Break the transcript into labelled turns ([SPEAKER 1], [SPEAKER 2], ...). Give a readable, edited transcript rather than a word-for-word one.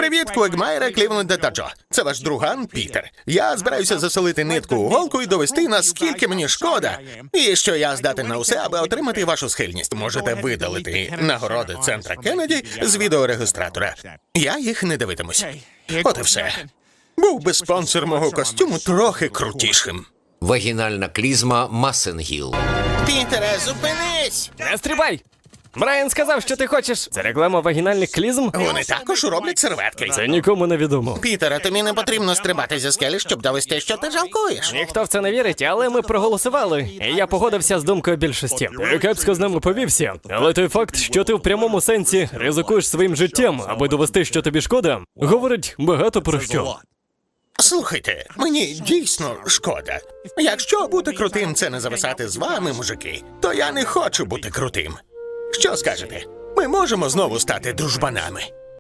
[SPEAKER 1] Привіт, Квегмайре, Клівленде та Джо. Це ваш друган Пітер. Я збираюся засолити нитку у голку і довести, наскільки мені шкода. І що я здатен на усе, аби отримати вашу схильність. Можете видалити нагороди центра Кеннеді з відеорегістратора. Я їх не дивитимусь. От і все. Був би спонсор мого костюму трохи крутішим.
[SPEAKER 2] Вагінальна клізма Масенгіл.
[SPEAKER 1] Пітере, зупинись!
[SPEAKER 3] Не стрибай! Брайан сказав, що ти хочеш. Це реклама вагінальних клізм?
[SPEAKER 1] Вони також роблять серветки.
[SPEAKER 3] Це нікому не відомо.
[SPEAKER 1] Пітере, тобі не потрібно стрибати зі скелі, щоб довести, що ти жалкуєш.
[SPEAKER 3] Ніхто в це не вірить, але ми проголосували, і я погодився з думкою більшості. Ти кепсько з ними повівся, але той факт, що ти в прямому сенсі ризикуєш своїм життям, аби довести, що тобі шкода, говорить багато про що.
[SPEAKER 1] Слухайте, мені дійсно шкода. Якщо бути крутим – це не зависати з вами, мужики, то я не хочу бути крутим. Що скажете? Ми можемо знову стати дружбанами?